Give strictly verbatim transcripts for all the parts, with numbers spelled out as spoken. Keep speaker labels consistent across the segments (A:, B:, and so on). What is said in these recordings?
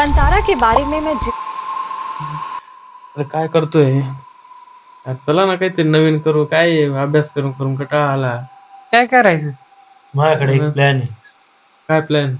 A: मंतारा के बारे में मैं जि-
B: अरे काय करतोय यार, चला ना काहीतरी नवीन करू. काय आहे, अभ्यास करून करून कंटाळा आला.
C: काय करायचं?
D: माझ्याकडे
B: हं.
D: एक प्लॅन आहे.
B: काय प्लॅन?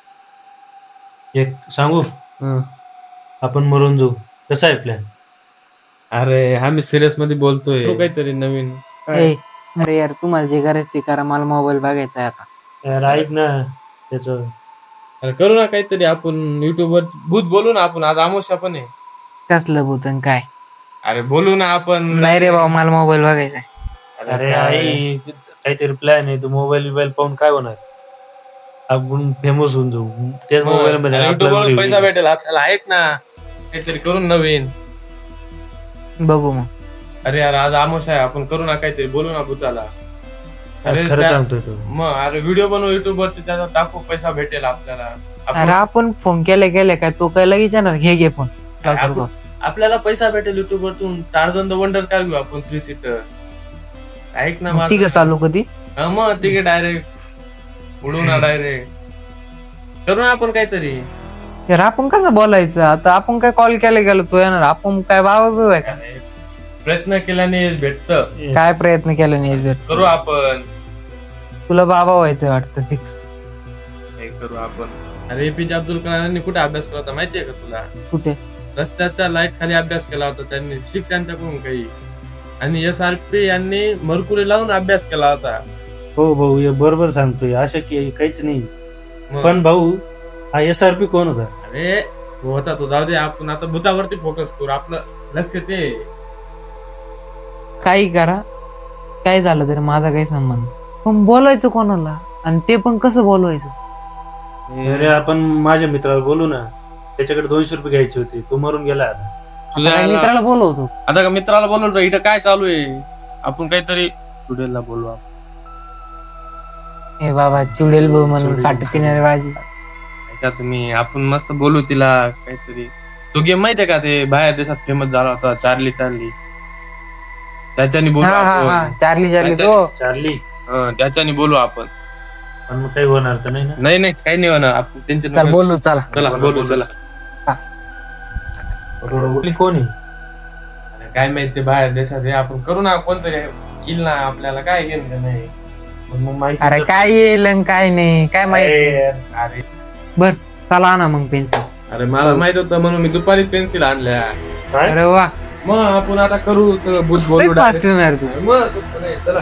D: एक सांगू? आपण मरून जाऊ. कसा आहे प्लॅन?
B: अरे आम्ही सिरियस मध्ये बोलतोय. करू काहीतरी नवीन. काय?
C: ए, अरे यार तुम्हाला जे करायचं ते करा, मला मोबाईल बघायचा आहे आता.
D: यार ऐक ना त्याच.
B: अरे करू ना काहीतरी. आपण युट्यूब वर भूत बोलू ना. आपण आज आमोशा पण आहे.
C: कसलं भूतन काय?
B: अरे बोलू ना आपण.
C: नाही रे बाबा, मला मोबाईल बघायचा आहे.
D: अरे
B: काय?
D: आई काहीतरी प्लॅन आहे. तू मोबाईल बिबाईल पाहून काय होणार? आपण फेमस होऊन जाऊ. त्याच मोबाईल मध्ये
B: अरे
D: आपला
B: YouTube वर
D: video
B: पैसा
D: येईल.
B: भेटेल आपल्याला. ऐक ना काहीतरी करून नवीन.
C: बघू मग.
B: अरे यार आज आमोशा आहे. आपण करू ना काहीतरी. बोलू ना भूताला. अरे
D: खरं
B: त्या-
D: सांगतोय तू.
B: मग अरे व्हिडिओ बनवू युट्यूब वरती. त्याचा टाकू. पैसा भेटेल आपल्याला. आपण-
C: अरे आपण फोन केले केले काय तो काय लगेच येणार? घे घे फोन.
B: आपण- आपल्याला पैसा भेटेल युट्यूब वरतून. टार्झन द वंडर कार घेऊ आपण थ्री सीटर. ऐक ना माझं.
C: तिघ चालू कधी?
B: हा मग तिघे डायरेक्ट उडू ना डायरेक्ट. करू ना आपण काहीतरी.
C: यार आपण कसं बोलायचं आता? आपण काय कॉल केले गेलो तो येणार? आपण काय बाबा बिबा आहे का?
B: प्रयत्न केल्याने यश भेटतं.
C: काय प्रयत्न केला नाही भेट?
B: करू आपण.
C: तुला बाबा व्हायचं वाटतं फिक्स.
B: हे करू आपण. अरे एपीजे अब्दुल कलामांनी कुठे अभ्यास केला होता माहितीये का तुला?
C: कुठे?
B: रस्त्याच्या लाईट खाली अभ्यास केला होता त्यांनी. शिक त्यांच्याकडून काही. आणि एस आर पी यांनी मरकुरी लावून अभ्यास केला होता.
D: हो भाऊ हे बरोबर सांगतोय. असं की काहीच नाही.
B: मग-
D: पण भाऊ हा एस आर पी कोण होता?
B: अरे तो होता तो. जाऊ दे. आपण आता भूतावरती फोकस करू. आपलं लक्ष ते.
C: काही करा, काय झालं तरी माझा काही संबंध. पण बोलायचं कोणाला? आणि ते पण कसं बोलवायचं?
D: अरे आपण माझ्या मित्राला बोलू ना. त्याच्याकडे दोनशे रुपये घ्यायचे होते. तो मरून गेला आता.
B: तुझ्या
C: काय मित्राला बोलवतो?
B: आता का मित्राला बोलवलं इथं काय चालू आहे? आपण काहीतरी स्टुडिओला बोलू आपण.
C: हे बाबा चुडेल भाऊ म्हणून
B: चुडेल.
C: काटतीने बाजी.
B: ऐका तुम्ही. आपण मस्त बोलू तिला काहीतरी. तो गेम माहितीये का? ते बाहेर देशात फेमस झाला होता. Charlie Charlie. त्याच्यानी बोलू
C: हा हा हा
B: आपण.
C: चार्ली चार्ली तो.
D: चार्ली.
B: हं, त्याच्यानी बोलू आपण.
D: पण मग काही होणार तर नाही ना?
B: नाही नाही काही नाही होणार. आपण त्यांच्या
C: चल बोलू चला.
B: चला बोलू चला.
D: थोडं कोण आहे?
B: अरे काय माहिती ते बाहेर देशात आहे. आपण करू ना. कोणतरी येईल ना. आपल्याला काय घेणं नाही.
D: पण मग माहिती
C: अरे
D: तर-
C: काय येईल आणि काय नाही काय माहिती.
D: अरे,
B: अरे
C: बर चला ना मग पेन्सिल.
B: अरे मला माहित होतं म्हणून मी दुपारी पेन्सिल आणल्या.
D: काय?
C: अरे वा
B: मग आपण आता करू. सगळं भूत बोलू
C: लई fast होणार तू.
B: मग तसं नाही. चला.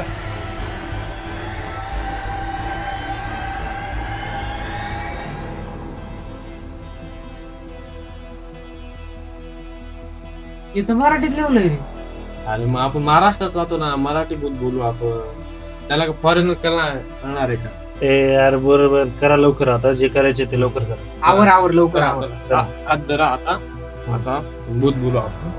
C: इथं मराठीत लिहलं रे.
B: अरे मग आपण महाराष्ट्रात राहतो ना. मराठी भूत बोलू आपण. त्याला फॉरेन करणार करणार आहे का?
D: ए यार बरोबर करा लवकर. आता जे करायचे ते लवकर करा.
C: आवर आवर लवकर
B: चला,
C: आवर.
B: चला. हात धरा आता. आता भूत बोलू आपण.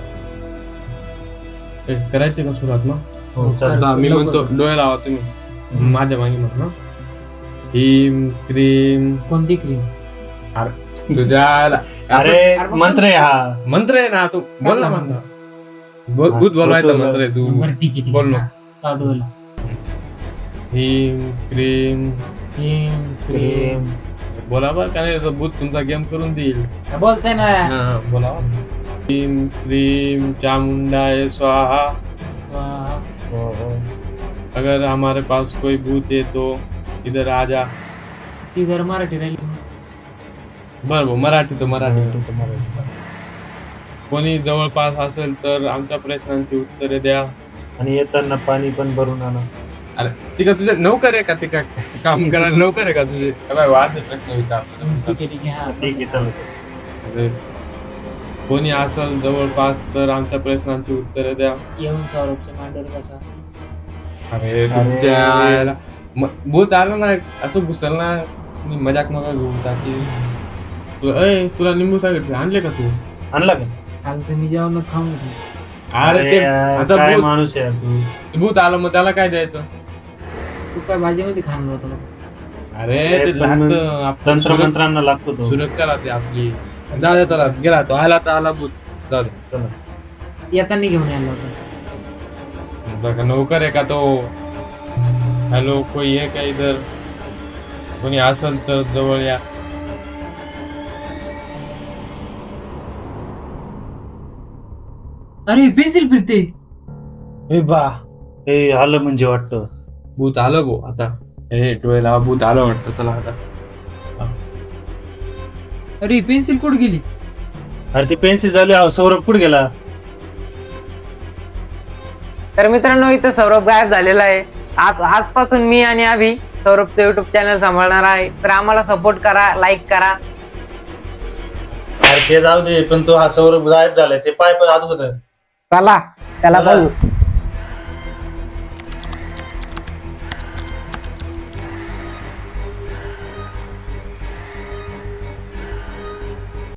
B: ए, करायचे का सुरुवात मग?
D: हो, चल.
B: आता मी
C: लवकर.
B: म्हणतो डोळे लावा तुम्ही. माझ्या मागे म्हणा. हिम क्रीम.
C: कोणती क्रीम?
B: तुझ्या
D: अरे
C: अरे,
D: मंत्र आहे हा.
B: मंत्र आहे ना. तू बोल ना मंत्र. भूत भूत बोलवायचा मंत्र आहे तू.
C: बरं ठीक आहे ठीक
B: बोल ना.
C: आहे. डोला.
B: हिम क्रीम.
C: Cream cream.
B: बोला बरं का नाही तर भूत तुमचा गेम करून देईल.
C: बोलते ना.
B: हा, बोला. हिम क्रीम चामुंडाय स्वाहा. अगर हमारे पास कोई भूत है तो इधर आ जा.
C: ती जर मराठी राहिली.
B: बरं भाऊ, मराठी तर मराठी. कोणी जवळपास असेल तर आमच्या प्रश्नांची उत्तरे द्या.
D: आणि येताना पाणी पण भरून आणा.
B: अरे ती का तुझे नोकर आहे का? ती का काम करायला नोकर आहे का तुझे? काय वाद आहे प्रश्न विचारतो.
C: ठीक आहे ठीक आहे हा.
D: ठीक आहे चल.
B: अरे, कोणी असेल जवळपास तर आमच्या प्रश्नांची उत्तरे द्या.
C: येऊन सौरभच्या मांडीवर बसा.
B: अरे तुमच्या म- भूत आलं ना असं घुसल ना. मी मजाक नका घेऊ टाकी. तुला अय तुला निंबू सांगितले आणले का तू?
D: आणला का?
C: आणि तुम्ही जेवण खाऊन घेतलं.
B: अरे ते
D: यार,
B: आता
D: काय
B: भूत
D: माणूस आहे तू.
B: भूत आलं मग त्याला काय द्यायचं?
C: तू काय भाजीमध्ये खाणार होता का?
B: अरे
D: अरे,
B: ते
D: पण मग
B: लागतं आपलं
D: तंत्र
B: सुरक्षा-
D: मंत्रांना लागतो तो.
B: सुरक्षा राहते आपली. जाऊ दे चला गेला तो आला तर आला भूत. जाऊ दे.
D: चला.
C: येताना घेऊन यायला होता.
B: बघा नोकर आहे का तो? हॅलो कोई आहे का इधर? कोणी असेल तर जवळ या.
C: अरे पेन्सिल फिरते.
B: ए बा
D: हे आलं म्हणजे वाटतं.
B: भूत आलं गो आता. हे डोळ्याला भूत आलं वाटतं. चला आता.
C: अरे पेन्सिल कुठे गेली?
D: अरे ती पेन्सिल झाली. अहो, सौरभ कुठे गेला?
C: तर मित्रांनो इथं सौरभ गायब झालेला आहे. आज आजपासून मी आणि अभि सौरभचं युट्यूब चॅनल सांभाळणार आहे. तर आम्हाला सपोर्ट करा, लाईक करा.
D: अरे ते जाऊ दे, पण तो हा सौरभ गायब झालाय ते पाय पण अगोदर.
C: चला त्याला
D: चला.
C: बघू.